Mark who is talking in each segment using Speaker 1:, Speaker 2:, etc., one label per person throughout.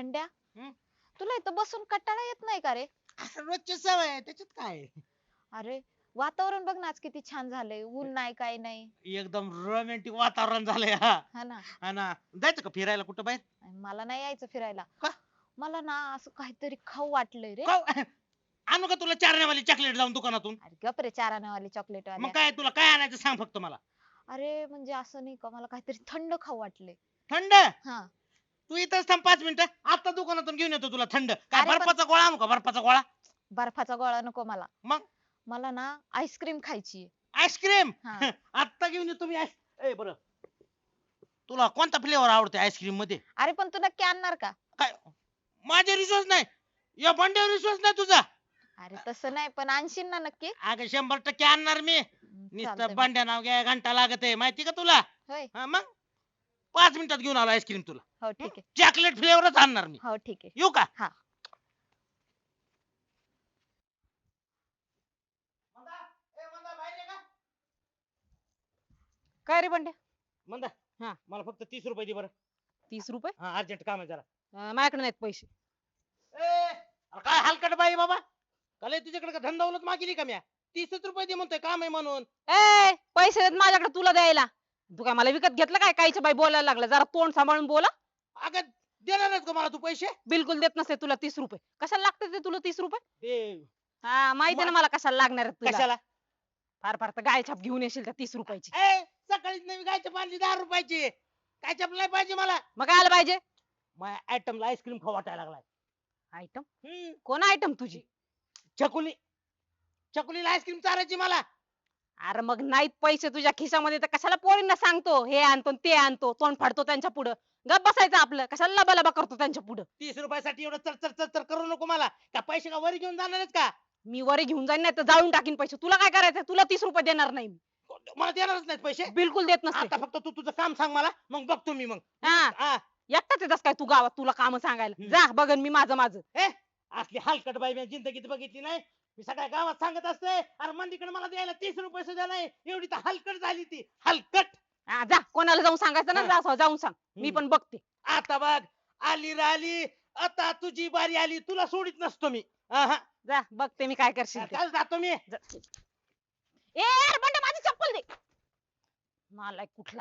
Speaker 1: भांड्या,
Speaker 2: हं?
Speaker 1: तुला इथं बसून कंटाळा येत नाही का रे?
Speaker 2: असं रोजची सवय आहे त्याच्यात काय आहे?
Speaker 1: अरे वातावरण बघ ना आज किती छान झालंय, ऊन नाही काय नाही.
Speaker 2: एकदम रोमॅन्टिक वातावरण झालंय हा.
Speaker 1: हा ना.
Speaker 2: हा ना. जायचं का फिरायला कुठं बाहेर?
Speaker 1: आणि मला नाही यायचं फिरायला.
Speaker 2: का?
Speaker 1: मला ना असं काहीतरी खाऊ वाटलंय रे.
Speaker 2: का? आणू का तुला चारण्यावाली चॉकलेट जाऊन दुकानातून?
Speaker 1: अरे गप रे, चाराण्यावाली चॉकलेट
Speaker 2: मग
Speaker 1: वाल्या.
Speaker 2: काय तुला काय आणायचं सांग फक्त मला.
Speaker 1: अरे म्हणजे असं नाही का, मला काहीतरी थंड खाऊ वाटलंय.
Speaker 2: थंड?
Speaker 1: हा.
Speaker 2: तू इथंच थांब 5 मिनिटं. आता दुकानातून घेऊन येतो तुला थंड. काय
Speaker 1: अरे पण
Speaker 2: बर्फाचा गोळा आणू का बर्फाचा गोळा?
Speaker 1: बर्फाचा गोळा नको मला.
Speaker 2: मग
Speaker 1: मला ना आईस्क्रीम खायची आहे.
Speaker 2: आईस्क्रीम?
Speaker 1: हा.
Speaker 2: आता घेऊन येतो मी ए बरं. तुला कोणता फ्लेवर आवडते आईस्क्रीम मध्ये?
Speaker 1: अरे पण तू नक्की आणणार का?
Speaker 2: काय माझ्या विश्वास नाही. या बंड्यावर विश्वास नाही तुझा?
Speaker 1: अरे तसं नाही, पण आणशील ना नक्की?
Speaker 2: अगं 100% आणणार मी.
Speaker 1: चालतंय
Speaker 2: नुसतं
Speaker 1: मग.
Speaker 2: बंड्या नाव घ्या घंटा लागत आहे माहिती का तुला?
Speaker 1: होय.
Speaker 2: हा मग 5 मिनिटात घेऊन आलो आईस्क्रीम तुला.
Speaker 1: हो ठीक आहे.
Speaker 2: चॉकलेट फ्लेवरच आणणार मी.
Speaker 1: हो ठीक आहे.
Speaker 2: येऊ का?
Speaker 1: हा.
Speaker 3: काय रे बंड्या?
Speaker 2: मंदा
Speaker 3: हा.
Speaker 2: मला फक्त 30 रुपये दे बरं.
Speaker 3: 30 रुपये?
Speaker 2: हा अर्जंट काम आहे जरा.
Speaker 3: माझ्याकडे नाहीत पैसे.
Speaker 2: अरे काय हलकट बाई बाबा. काल तुझ्याकडे का धंदावलत मागितली का म्या? 30 रुपये दे म्हणतोय काम आहे म्हणून.
Speaker 3: पैसे आहेत माझ्याकडे तुला द्यायला. तू काय मला विकत घेतलं काय? काहीच्या बाई बोलायला लागला. जरा तोंड सांभाळून बोला.
Speaker 2: अगं देणारच का मला तू पैसे?
Speaker 3: बिलकुल देत नसते तुला 30 रुपये. कशाला लागते ते तुला 30 रुपये?
Speaker 2: दे.
Speaker 3: हा माहिती आहे ना मला कशाला लागणार आहेत तुला.
Speaker 2: कशाला?
Speaker 3: फार फार तर गाय छाप घेऊन येशील त्या 30 रुपयाची.
Speaker 2: सकाळीच नवी गायच्या बांधली 10 रुपयाची. काय चपल नाही पाहिजे मला.
Speaker 3: मग काय आलं पाहिजे?
Speaker 2: माझ्या आयटमला आईस्क्रीम खाऊ वाटायला लागलाय.
Speaker 3: आयटम?
Speaker 2: हम्म.
Speaker 3: कोण आयटम तुझी?
Speaker 2: चकुली. चकुलीला आईस्क्रीम चारायची मला.
Speaker 3: अरे मग नाहीत पैसे तुझ्या खिशामध्ये तर कशाला पोरींना सांगतो हे आणतो आणि ते आणतो, तोंड फाडतो त्यांच्या पुढं. गप बसायचं आपलं. कशाला लबालबा करतो त्यांच्या पुढं.
Speaker 2: 30 रुपयासाठी एवढं चर चर चर करू नको मला. का पैसे का वरी घेऊन जाणारच का?
Speaker 3: मी वरे घेऊन जाईन नाही तर जाळून टाकीन पैसे. तुला काय करायचंय? तुला 30 रुपये देणार नाही मी.
Speaker 2: मला देणारच नाहीत पैसे.
Speaker 3: बिलकुल देत नसते.
Speaker 2: आता फक्त तू तुझं काम सांग मला मग बघतो मी मग.
Speaker 3: हा.
Speaker 2: हा.
Speaker 3: एकटाच येतस काय तू गावात तुला काम सांगायला?
Speaker 2: हम्म.
Speaker 3: जा बघन मी माझं माझं.
Speaker 2: असली हलकट बाई मी जिंदगीत बघितली नाही. मी सगळ्या गावात सांगत असते अरे मंदीकडे मला द्यायला 30 रुपये सुद्धा नाही. एवढी तर हलकट झाली ती हलकट.
Speaker 3: हा, जा कोणाला जाऊन सांगायचं ना, जा जाऊन सांग. मी पण बघते.
Speaker 2: आता बघ आली राहिली. आता तुझी बारी आली. तुला सोडित नसतो मी. आहा.
Speaker 3: जा बघते मी काय करशील ते.
Speaker 2: काल जातो मी.
Speaker 3: जा. ए यार बंड्या माझी चप्पल दे. मला कुठला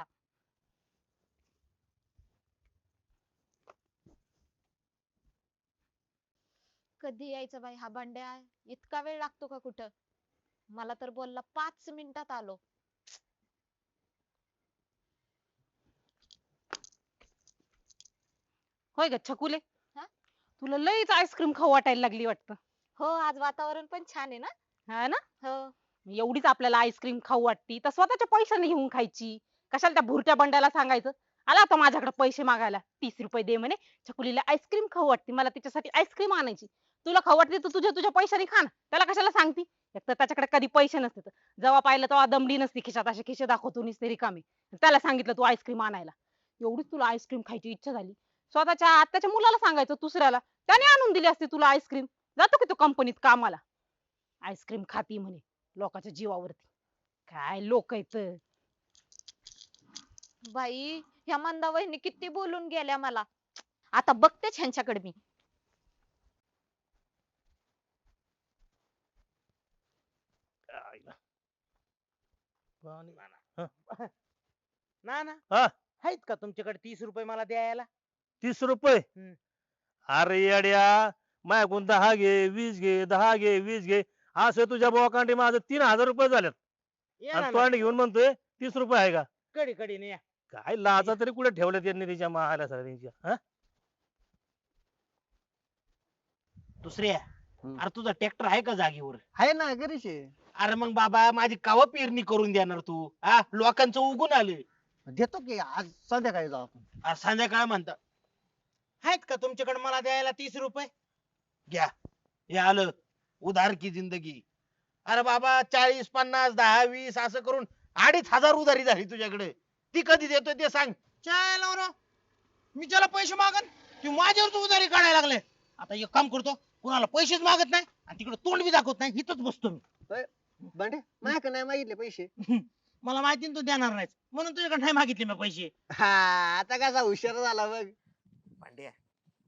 Speaker 1: कधी यायचं बाई हा भांड्या? इतका वेळ लागतो का कुठं? मला तर बोलला 5 मिनिटात आलो.
Speaker 3: होय ग छकुले?
Speaker 1: हा?
Speaker 3: तुला लईच आईस्क्रीम खाऊ वाटायला लागली वाटतं.
Speaker 1: हो आज वातावरण पण छान आहे ना.
Speaker 3: हा ना?
Speaker 1: हो.
Speaker 3: एवढीच आपल्याला आईस्क्रीम खाऊ वाटती तर स्वतःच्या पैशाने घेऊन खायची. कशाला त्या भुरट्या बंड्याला सांगायचं? आला आता माझ्याकडे पैसे मागायला. 30 रुपये दे म्हणे. छकुलीला आईस्क्रीम खाऊ वाटते. मला तिच्यासाठी आईस्क्रीम आणायची. तुला खाऊ वाटते तर तुझ्या पैशाने खा ना. त्याला कशाला सांगती? एक तर त्याच्याकडे कधी पैसे नसते. जेव्हा पाहिलं तेव्हा दमडी नसती खिशात. असे खिशे दाखवतो नुसते रिकामे. त्याला सांगितलं तू आईस्क्रीम आणायला. एवढीच तुला आईस्क्रीम खायची इच्छा झाली. स्वतःच्या आत्याच्या मुलाला सांगायचं दुसऱ्याला. त्याने आणून दिली असती तुला आईस्क्रीम. जातो की तू कंपनीत कामाला. आईस्क्रीम खाती म्हणे लोकांच्या जीवावरती. काय लोक आहेत.
Speaker 1: बाई ह्या मंदा वहिनी किती बोलून गेल्या मला. आता बघतेच ह्यांच्याकडे मी.
Speaker 2: ना ना
Speaker 4: हा.
Speaker 2: आहेत का तुमच्याकडे 30 रुपये मला द्यायला?
Speaker 4: 30 रुपये?
Speaker 2: हम्म.
Speaker 4: अरे येड्या, माझ्याकडून 10 घे, 20 घे, 10 घे, 20 घे, असं तुझ्या बोकांडी माझं 3000 रुपये झालेत.
Speaker 2: ये
Speaker 4: आणि
Speaker 2: ना
Speaker 4: तोंड घेऊन म्हणतोय 30 रुपये आहे का?
Speaker 2: कडी कडी या.
Speaker 4: काय लाजा तरी कुठे ठेवल्यात त्यांनी तिच्या मायला सगळ्यांच्या, हा?
Speaker 2: दुसऱ्या
Speaker 5: हम्म.
Speaker 2: अरे तुझा ट्रॅक्टर आहे का जागेवर?
Speaker 5: आहे ना घरीच आहे.
Speaker 2: अरे मग बाबा माझी कवा पेरणी करून देणार तू? हा लोकांचं उगून आले.
Speaker 5: देतो की आज संध्याकाळी जाऊ आपण.
Speaker 2: आज संध्याकाळ म्हणता. आहेत का तुमच्याकडे मला द्यायला 30 रुपये? घ्या हे आलं उधार की जिंदगी. अरे बाबा 40 50 10 20 असं करून 2500 उधारी झाली तुझ्याकडे. ती कधी देतोय ते सांग. चायला बरं. मी ज्याला पैसे मागन तू माझ्यावर तू उधारी काढायला लागले. आता एक काम करतो कुणाला पैसेच मागत नाही आणि तिकडे तोंड बी दाखवत नाही. इथंच बसतो मी.
Speaker 5: बंडे माझ्याकडे नाही मागितले पैसे.
Speaker 2: मला माहिती ना तू देणार नाहीस म्हणून तुझ्याकडे नाही मागितले मी पैसे.
Speaker 5: हा आता कसा हुशार झाला बघ.
Speaker 2: पांड्या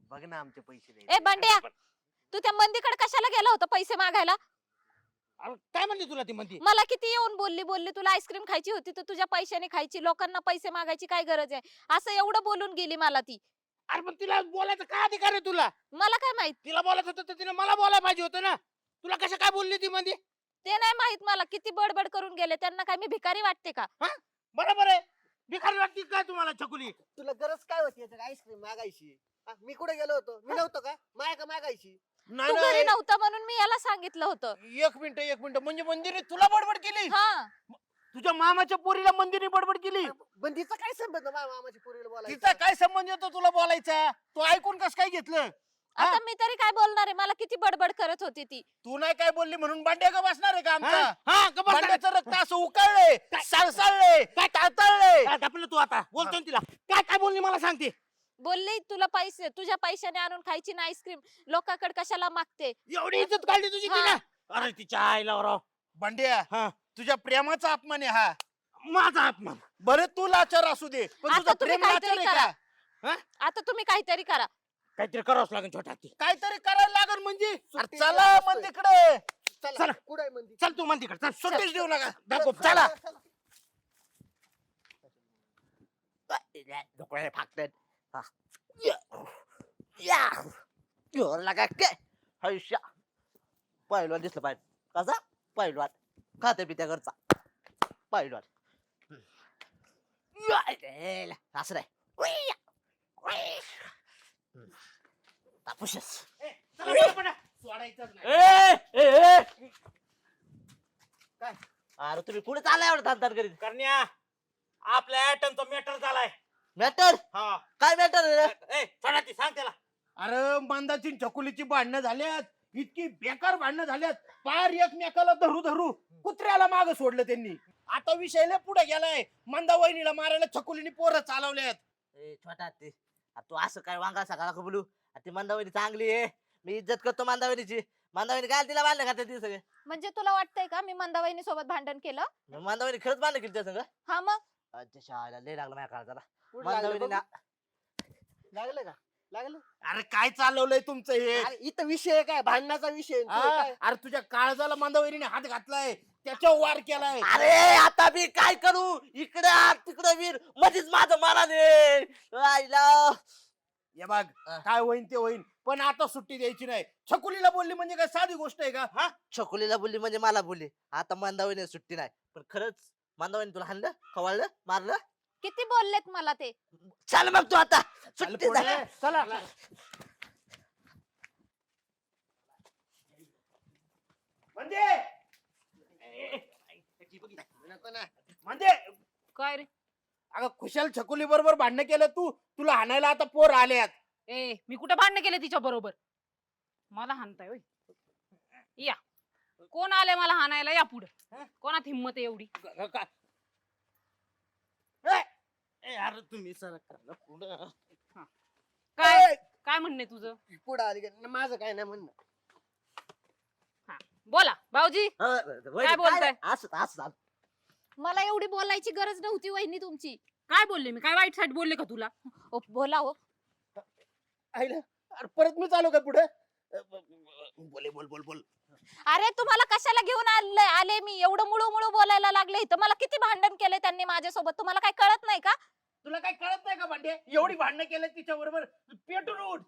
Speaker 5: बघ ना आमचे पैसे
Speaker 1: ए बंड्या, तू त्या मंदीकडे कशाला गेला होता पैसे मागायला?
Speaker 2: अरे काय म्हणली तुला ती म्हणती?
Speaker 1: मला किती येऊन बोलली तुला आईस्क्रीम खायची होती तर तुझ्या पैशाने खायची, लोकांना पैसे मागायची काय गरज आहे, असं एवढं बोलून गेली मला ती.
Speaker 2: अरे पण तिला बोलायचं काय अधिकार आहे तुला?
Speaker 1: मला काय माहित?
Speaker 2: तिला बोलायचं होतं तर तिने मला बोलायला पाहिजे होतं ना. तुला कसं काय बोलली ती मध्ये?
Speaker 1: ते नाही माहित मला, किती बडबड करून गेले. त्यांना काय मी भिकारी वाटते का?
Speaker 2: बरोबर आहे. भिकारी वाटती काय तुम्हाला छकुली?
Speaker 5: तुला गरज काय होती आईस्क्रीम मागायची? हा, मी कुठे गेलो होतो? मी नव्हतो का माया मागायची?
Speaker 1: तू
Speaker 2: नाही
Speaker 1: घरी
Speaker 2: नाही.
Speaker 1: नव्हता म्हणून मी याला सांगितलं होतं.
Speaker 2: एक मिनिट म्हणजे मंदिरने तुला बडबड केली?
Speaker 1: हा,
Speaker 2: तुझ्या मामाच्या पोरीला मंदिरने बडबड केली?
Speaker 5: पण तिचा काय संबंध माझ्या मामाची पोरीला बोलायचा?
Speaker 2: तिचा काय संबंध येतो तुला बोलायचा? तू ऐकून कस काय घेतलं?
Speaker 1: आता मी तरी काय बोलणार आहे? मला किती बडबड करत होती ती.
Speaker 2: तू नाही काय बोलली म्हणून बांड्या का बसणार आहे का आमचा? बांड्याचं रक्त असं उकळलंय, सळसळलंय, ताळतळलंय. आपलं तू आता बोलतो तिला काय काय बोलली मला सांगते.
Speaker 1: बोलली तुला पैसे, तुझ्या पैशाने आणून खायची ना आईस्क्रीम, लोकांकडे कशाला मागते?
Speaker 2: एवढी इज्जत काढली तुझी तिने? अरे तिच्या आईला राव. बांड्या तुझ्या प्रेमाचा अपमान आहे हा. माझा अपमान? बरं तू लाचार असू दे पण
Speaker 1: आता
Speaker 2: तुझं
Speaker 1: तुम्ही
Speaker 2: प्रेम लाचार
Speaker 1: काहीतरी
Speaker 2: आहे
Speaker 1: करा.
Speaker 2: का?
Speaker 1: आता तुम्ही काहीतरी करा.
Speaker 2: काहीतरी करावंच लागेल छोटा हत्ती. काहीतरी करायला लागेल म्हणजे अरे
Speaker 5: सुट्टी
Speaker 2: चला
Speaker 5: द्यायला
Speaker 2: मग
Speaker 5: असतोय.
Speaker 2: तिकडे.
Speaker 5: चला
Speaker 2: चला.
Speaker 5: कुठे आहे मंदिर?
Speaker 2: चल तू मग तिकडे चल. सुट्टीच देऊ नका. दाखव चला.
Speaker 5: डोळे फाकतात. हा. या. जोर लागा काय? हैशा. पहिलवान दिसलं पाहिजे. कसा? पहिलवान. खाते पित्या घरचा. पहिलवान. असं नाही. तापुशस.
Speaker 2: चला पटापटा. सोडायचंच नाही.
Speaker 5: काय? अरे तुम्ही पुढे चाललाय एवढं धान करीत.
Speaker 2: करण्या आपल्या ऍटमचा मॅटर झालाय.
Speaker 5: मॅटर?
Speaker 2: हा
Speaker 5: काय मॅटर?
Speaker 2: सोडा ती सांग त्याला. अरे मंदाची छकुलीची भांडणं झाल्यात, इतकी बेकार भांडणं झाल्यात, पार एकमेकाला धरू धरू कुत्र्याला माग सोडलं त्यांनी. आता विषय लय पुढे गेलाय. मंदा वहिनीला मारायला छकुलीने पोरं चालवल्यात.
Speaker 5: छोटा ते तू असं काय वांगा सकाळ बोलू? ती मंदावणी चांगली आहे, मी इज्जत करतो मंदावणीची. मंदावणी काय तिला बांधलं का ते सगळे?
Speaker 1: म्हणजे तुला वाटतंय का मी मंदाबाईनी सोबत भांडण केलं?
Speaker 5: मंदावणी खरंच बांधलं केली त्या सगळं?
Speaker 1: हा मग
Speaker 5: अच्छा शाळेला लय लागलं माझ्या काळजाला.
Speaker 6: लागलं का? लागलं?
Speaker 2: अरे काय चालवलंय तुमचं हे?
Speaker 6: अरे इथं विषय काय? भांडणाचा विषय.
Speaker 2: हा? अरे तुझ्या काळजाला मंदावहिनीने हात घातलाय, त्याच्यावर वार केलाय.
Speaker 5: अरे आता मी काय करू? इकडे तिकडे वीर मध्येच माझं मनाने आईला.
Speaker 2: हे बघ काय होईन ते होईन, पण आता सुट्टी द्यायची नाही. छकुलीला बोलली म्हणजे काय साधी गोष्ट आहे का? हा
Speaker 5: छकुलीला बोलली म्हणजे मला बोलली. आता मंदावणी सुट्टी नाही. पण खरंच मंदावणी तुला हाणलं, खवळलं, मारलं?
Speaker 1: किती बोललेत मला ते.
Speaker 5: चल मग तू आता
Speaker 2: चल
Speaker 5: सुट्टी
Speaker 2: पुढे.
Speaker 5: झाली.
Speaker 2: चला म्हणजे म्हणजे
Speaker 3: काय रे?
Speaker 2: अगं खुशाल छकुली बरोबर भांडण केलं तू, तुला हाणायला आता पोर आल्यात.
Speaker 3: ए मी कुठं भांडण केलं तिच्या बरोबर? मला हाणताय होय? या कोण आले मला हाणायला? या पुढे. कोणात हिंमत आहे एवढी?
Speaker 2: अरे तुम्ही सरकार पुढं.
Speaker 3: काय काय म्हणणे तुझं?
Speaker 6: पुढे आली का? माझं काय नाही म्हणणं.
Speaker 3: बोला भाऊजी.
Speaker 5: काय
Speaker 3: बोलताय?
Speaker 5: असं असं
Speaker 1: मला एवढी बोलायची गरज नव्हती वहिनी तुमची.
Speaker 3: काय बोलले मी? काय वाईट साईट बोलले का तुला?
Speaker 1: ओ, बोला हो.
Speaker 2: आईला अरे परत मी चालू का पुढे? बोले बोल बोल बोल.
Speaker 1: अरे तुम्हाला कशाला घेऊन आले मी? एवढं मुळू मुळू बोलायला लागले इथं. मला किती भांडण केले त्यांनी माझ्यासोबत, तुम्हाला काय कळत नाही का?
Speaker 2: तुला काय कळत नाही का भांडे? एवढी भांडणं केलं तिच्या बरोबर, पेटून उठ.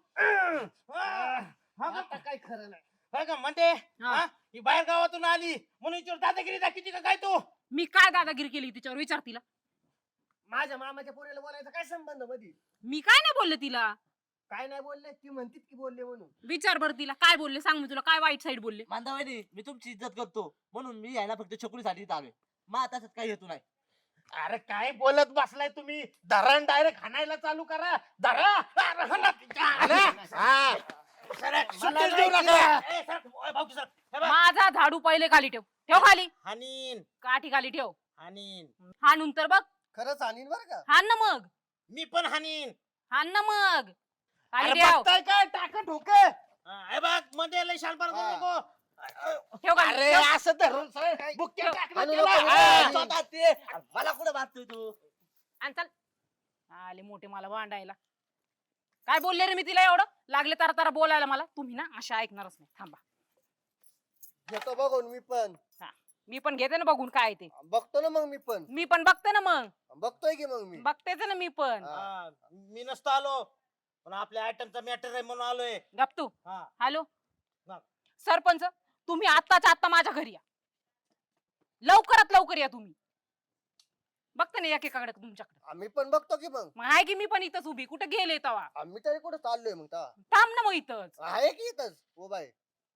Speaker 6: आता काय खरं नाही.
Speaker 2: हा का म्हणते?
Speaker 3: हा.
Speaker 2: ही बाहेर गावातून आली म्हणून हिच्यावर दादागिरी दाखवती का काय तू?
Speaker 3: मी काय दादागिरी केली तिच्यावर? विचार तिला.
Speaker 6: माझ्या मामाच्या पोरीला बोलायचा काय संबंध मध्ये?
Speaker 3: मी काय नाही बोलले तिला.
Speaker 6: काय नाही बोलले? ती म्हणतीत की बोलले म्हणून.
Speaker 3: विचार बरं तिला काय बोलले, सांग मी तुला काय वाईट साईड बोलले.
Speaker 5: मंदावणी मी तुमची इज्जत करतो म्हणून मी यायला फक्त छकुलीसाठी इथं आलोय. मग त्याच्यात काही हेतू नाही.
Speaker 2: अरे काय बोलत बसलाय तुम्ही? धरण डायरेक्ट हाणायला चालू करा. धरा. अरे हाणा तिच्या. हा. सुट्टीच देऊ नका.
Speaker 3: माझा झाडू पहिले खाली ठेव. ठेव खाली.
Speaker 2: हानीन
Speaker 3: काठी खाली ठेव.
Speaker 2: हानीन
Speaker 3: हाणून तर बघ.
Speaker 6: खरंच आणीन बरं का?
Speaker 3: हाण ना मग.
Speaker 2: मी पण हानीन.
Speaker 3: हाण ना मग. खाली
Speaker 2: अरे
Speaker 3: ठेव.
Speaker 2: बघताय काय टाका ठोके. हे बघ मध्ये लय शानपार करू नको.
Speaker 3: ठेव खाली.
Speaker 2: अरे
Speaker 3: ठेव.
Speaker 2: असं धरून बुक्के
Speaker 3: ठेव.
Speaker 2: टाकलं
Speaker 6: आणू
Speaker 2: त्याला.
Speaker 6: नको.
Speaker 2: हा.
Speaker 5: स्वतः ते मला कुठे बांधतोय तू?
Speaker 3: आणि चल. आले मोठे मला भांडायला. काय बोलले रे मी तिला एवढं लागले तारा तारा बोलायला मला तुम्ही ना अशा ऐकणारच नाही थांबा
Speaker 6: घेतो बघून
Speaker 3: मी पण घेते ना बघून काय ते
Speaker 6: बघतो ना मग
Speaker 3: मी पण बघते ना मग
Speaker 6: बघतोय की मग मी
Speaker 3: बघतेच ना मी पण
Speaker 6: हा.
Speaker 2: मी नसतो आलो पण आपल्या आयटमचा मॅटर आहे म्हणून आलोय.
Speaker 3: गप तू
Speaker 2: हा.
Speaker 3: हॅलो
Speaker 2: हा.
Speaker 3: सरपंच तुम्ही आत्ताच्या आत्ता माझ्या घरी या लवकरात लवकर या तुम्ही बघते ना एकेकाकडे तुमच्याकडे
Speaker 6: आम्ही पण बघतो की मग
Speaker 3: मग आहे की मी पण इथंच उभी कुठे गेले तवा
Speaker 6: आम्ही तरी कुठे चाललोय मग तेव्हा?
Speaker 3: थांब ना मग इथंच
Speaker 6: आहे की इथंच उभा आहे.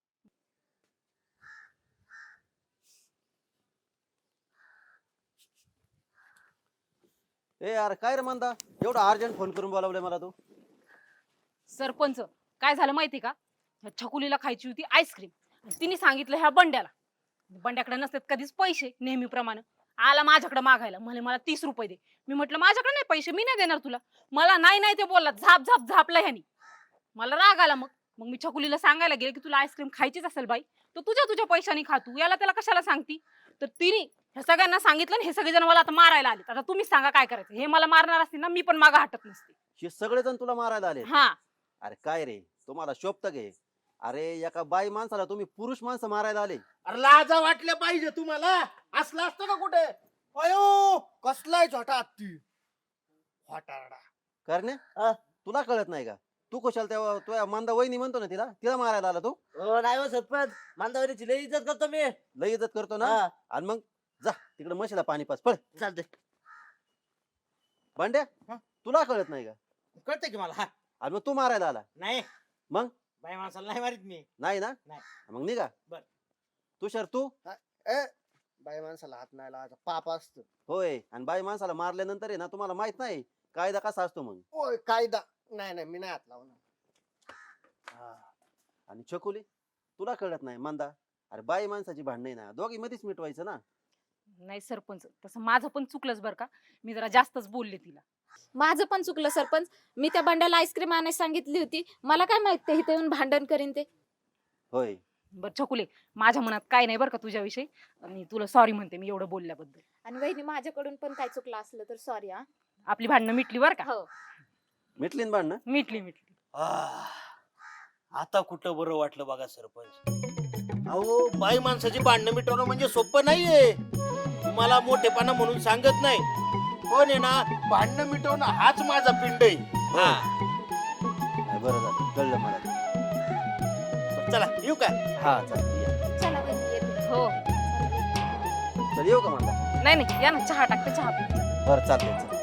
Speaker 5: ए यार काय रे म्हणता एवढा अर्जंट फोन करून बोलावलंय मला तू
Speaker 3: सरपंच काय झालं माहिती का ह्या छकुलीला खायची होती आईस्क्रीम तिने सांगितलं ह्या बंड्याला बंड्याकडे नसतात कधीच पैसे नेहमीप्रमाणे आला माझ्याकडे मागायला म्हणे मला 30 रुपये दे मी म्हटलं माझ्याकडे नाही पैसे मी नाही देणार तुला मला नाही ते बोलला झाप झाप झापला ह्यानी मला राग आला मग मी छकुलीला सांगायला गेले की तुला आईस्क्रीम खायचीच असेल बाई तर तुझ्या पैशाने खा तू याला त्याला कशाला सांगती तर तिने ह्या सगळ्यांना सांगितलं आणि हे सगळेजण मला आता मारायला आले आता तुम्ही सांगा काय करायचं हे मला मारणार असतील ना मी पण मागं हटत नसते
Speaker 5: हे सगळेजण तुला मारायला आले
Speaker 3: हा
Speaker 5: अरे काय रे तुम्हाला शोभत गे अरे एका बाई माणसाला तुम्ही पुरुष माणसं मारायला आले
Speaker 2: अरे लाजा वाटल्या पाहिजे तुम्हाला असलं असतं का कुठे अयो
Speaker 6: कसलाय छोटा हत्ती
Speaker 2: फटारडा.
Speaker 5: करण्या तुला कळत नाही का तू कशाला तेव्हा तुझ्या मंदा वहिनी म्हणतो ना तिला मारायला आला तू हो नाही हो सरपंच मांदावरीची लई इज्जत करतो मी लई इज्जत करतो ना आणि मग जा तिकडे म्हशीला पाणी पास पळ
Speaker 2: चालतंय.
Speaker 5: भांड्या
Speaker 2: हा?
Speaker 5: तुला कळत नाही का
Speaker 2: कळतंय की मला. हा
Speaker 5: आणि मग तू मारायला आला
Speaker 2: नाही
Speaker 5: मग?
Speaker 2: बाई माणसाला नाही मारित मी.
Speaker 5: नाही ना
Speaker 2: नाही.
Speaker 5: मग निघा
Speaker 2: बर.
Speaker 5: तुषार तू
Speaker 6: बाई माणसाला हात नाही लावायचा पाप असत.
Speaker 5: होय आणि बाई माणसाला मारल्यानंतर आहे ना तुम्हाला माहित नाही कायदा कसा असतो मग
Speaker 6: ओय कायदा नाही मी नाही हात लावणार.
Speaker 5: आणि छकुली तुला कळत नाही मंदा अरे बाई माणसाची भांडण आहे ना दोघी मध्येच मिटवायचं ना
Speaker 3: नाही सरपंच तसं माझं पण चुकलंच बरं का मी जरा जास्तच बोलले तिला
Speaker 1: माझं पण चुकलं सरपंच मी त्या बंड्याला आईस्क्रीम आणायला सांगितली होती मला काय माहित ते इथे येऊन भांडण करीन ते
Speaker 5: होय
Speaker 3: बरं छकुले माझ्या मनात काय नाही बरं का तुझ्याविषयी मी तुला सॉरी म्हणते मी एवढं बोलल्याबद्दल
Speaker 1: आणि वहिनी माझ्याकडून पण काय चुकलं असलं तर सॉरी हा.
Speaker 3: आपली भांडणं मिटली बरं का
Speaker 1: हो
Speaker 5: मिटली ना भांडणं
Speaker 3: मिटली
Speaker 2: आता कुठं बरं वाटलं बघा सरपंच. अहो बाई माणसाची भांडणं मिटवणं म्हणजे सोपं नाहीये तुम्हाला मोठेपणा म्हणून सांगत नाही पण आहे ना भांडणं मिटवणं हाच माझा पिंड आहे. हा
Speaker 5: नाही, बरं झालं कळलं मला ते.
Speaker 2: चला येऊ का.
Speaker 5: हा चालेल या.
Speaker 1: चला वहिनी येते.
Speaker 3: हो
Speaker 5: चल येऊ का म्हणता
Speaker 3: नाही या ना चहा टाकते चहा
Speaker 5: बरं चालतंय चल.